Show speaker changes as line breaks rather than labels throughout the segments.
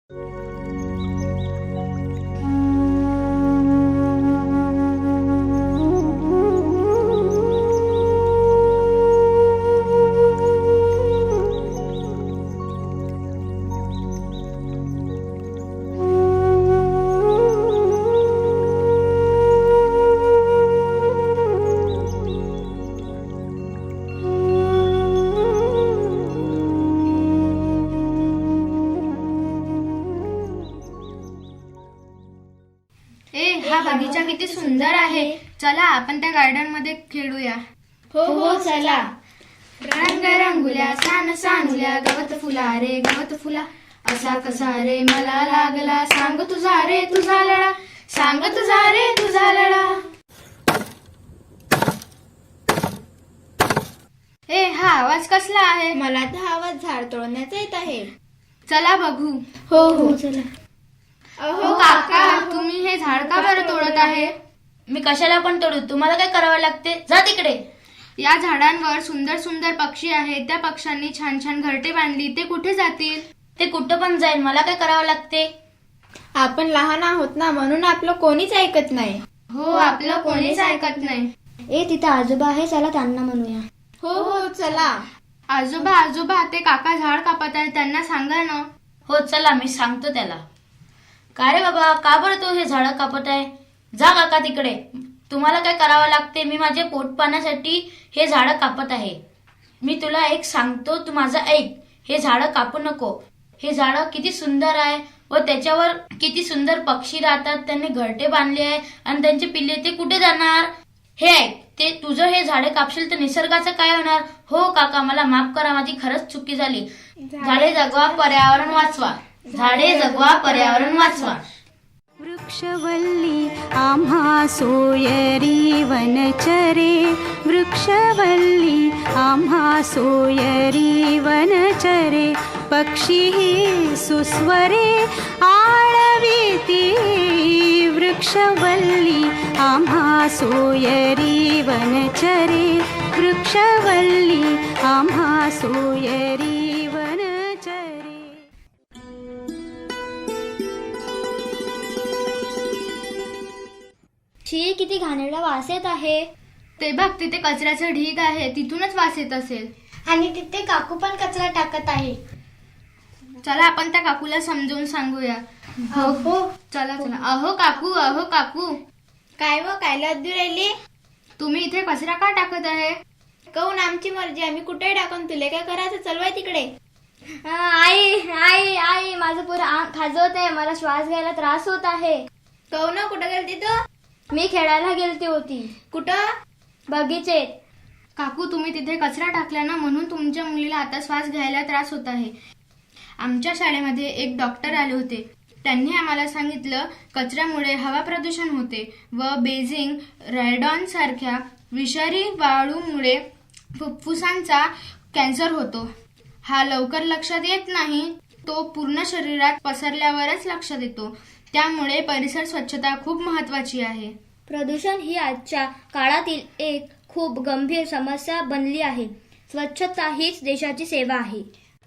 हा बगीचा किती सुंदर आहे. चला आपण त्या गार्डन मध्ये खेळूया.
हो हो चला.
रंग रंगुल्या सान सानुल्या गवत फुला रे गवत फुला असा कसा रे मला लागला सांग तुझा रे तुझा लळा सांग तुझा रे तुझा लळा. हा आवाज कसला आहे?
मला तर आवाज झाड तोडण्याचा येत आहे.
चला बघू.
हो हो चला.
अहो काका, तुम्ही हे झाड का बरं तोडत आहे?
मी कशाला पण तोडू, तुम्हाला काय करावं लागते? जा तिकडे.
या झाडांवर सुंदर सुंदर पक्षी आहेत. त्या पक्ष्यांनी छान छान घरटे बांधली. ते कुठे जातील?
ते कुठं पण जाईल, मला काय करावं लागते?
आपण लहान आहोत ना, म्हणून आपलं कोणीच ऐकत नाही.
हो, आपलं कोणीच ऐकत नाही.
तिथे आजोबा आहे, चला त्यांना म्हणूया.
हो हो चला.
आजोबा आजोबा, ते काका झाड कापत आहेत, त्यांना सांगा ना.
हो चला, मी सांगतो त्याला. काय रे बाबा, का बरं तू हे झाडं कापत आहे? जा काका तिकडे. तुम्हाला काय करावं लागते? मी माझे पोट पाण्यासाठी हे झाडं कापत आहे. मी तुला एक सांगतो, तू माझं ऐक. हे झाडं कापू नको. हे झाडं किती सुंदर आहे व त्याच्यावर किती सुंदर पक्षी राहतात. त्यांनी घरटे बांधले आहे आणि त्यांचे पिल्ले ते कुठे जाणार? हे ऐक, ते तुझं हे झाडे कापशील तर निसर्गाचं काय होणार? हो काका, मला माफ करा, माझी खरंच चुकी झाली. झाडे जगवा, पर्यावरण वाचवा. झाडे जगवा, पर्यावरण वाचवा.
वृक्षवल्ली आम्हा सोयरी वनचरे, वृक्षवल्ली आम्हा सोयरी वनचरे, पक्षी सुस्वरे आळविती, वृक्षवल्ली आम्हा सोयरी वनचरे, वृक्षवल्ली आम्हा सोयरी वनचरे.
शी, किती घाणेरडा वास येत आहे.
ते बघ, तिथे कचऱ्याचं ढीग आहे, तिथूनच वास येत असेल.
आणि तिथे काकू पण कचरा टाकत आहे.
चला आपण त्या काकूला समजावून सांगूया.
हो
चला चला. अहो काकू, अहो काकू,
काय व काय लद्दू राहिली?
तुम्ही इथे कचरा का टाकत आहे?
कहून आमची मर्जी, आम्ही कुठे टाकून तुले काय करायचं? चलवाय तिकडे.
आई आई आई, माझं पुरं अंग खाजवत आहे, मला श्वास घ्यायला त्रास होत आहे.
कहू ना, कुठं गेलती तू?
मी खेळायला गेलती होती.
कुठं?
बगीचेत.
काकू, तुम्ही तिथे कचरा टाकला ना, म्हणून तुमच्या मुलीला आता श्वास घ्यायला त्रास होत आहे. आमच्या शाळेमध्ये एक डॉक्टर आले होते. त्यांनी आम्हाला सांगितलं, कचऱ्यामुळे हवा प्रदूषण होते व बेझिंग, रेडॉन सारख्या विषारी वाळूमुळे फुफ्फुसांचा कॅन्सर होतो. हा लवकर लक्षात येत नाही, तो पूर्ण शरीरात पसरल्यावरच लक्षात येतो. त्यामुळे परिसर स्वच्छता खूप महत्वाची आहे.
प्रदूषण ही आजच्या काळातील एक खूप गंभीर समस्या बनली आहे. स्वच्छता हीच देशाची सेवा आहे.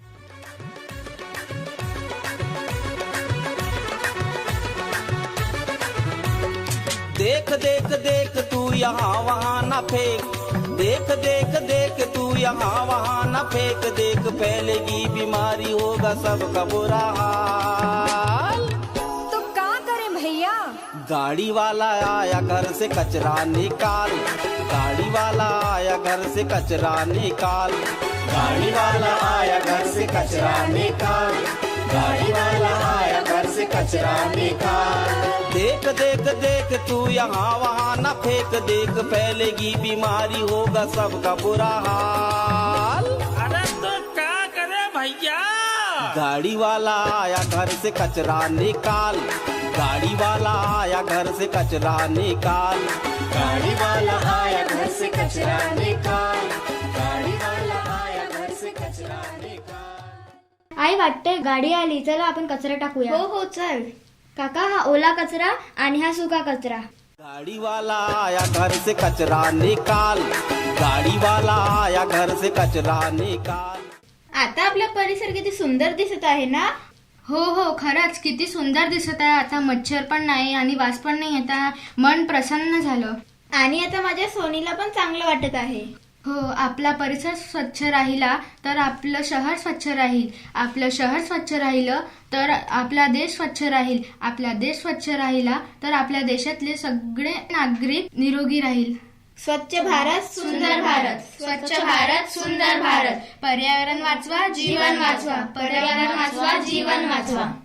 देख देख देख तू यहाँ वहाँ न फेंक, देख देख देख तू यहाँ वहाँ न फेंक, देख फैलेगी बीमारी, होगा सबका बुरा हाल.
तो क्या करें भैया?
गाड़ी वाला आया घर से कचरा निकाल, गाड़ी वाला आया घर से कचरा निकाल, गाड़ी वाला आया घर से कचरा निकाल, गाड़ी वाला आया घर से कचरा निकाल. देख देख देख तू यहाँ वहाँ न फेंक, देख फैलेगी बीमारी, होगा सबका बुरा हाल.
अरे तो क्या करे भैया?
गाड़ी वाला आया घर से कचरा निकाल, गाड़ी वाला आया घर से कचरा निकाल, गाड़ी वाला आया घर से कचरा निकाल, गाड़ी वाला आया घर से कचरा निकाल.
आई, वाटते गाडी आली, चला आपण कचरा टाकूया.
हो हो चल.
काका, हा ओला कचरा आणि हा सुका कचरा.
गाड़ी वाला आया घर से कचरा निकाल, गाड़ी वाला आया घर से कचरा निकाल.
आता आपला परिसर किती सुंदर दिसत आहे ना?
हो हो, खरंच किती सुंदर दिसत आहे. आता मच्छर पण नाही आणि वास पण नाही. आता मन प्रसन्न झालं.
आणि आता माझ्या सोनीला पण चांगलं वाटत आहे.
हो, आपला परिसर स्वच्छ राहिला तर आपलं शहर स्वच्छ राहील. आपलं शहर स्वच्छ राहिलं तर आपला देश स्वच्छ राहील. आपला देश स्वच्छ राहिला तर आपल्या देशातले सगळे नागरिक निरोगी राहील.
स्वच्छ भारत सुंदर भारत.
स्वच्छ भारत सुंदर भारत. पर्यावरण वाचवा, जीवन वाचवा. पर्यावरण वाचवा, जीवन वाचवा.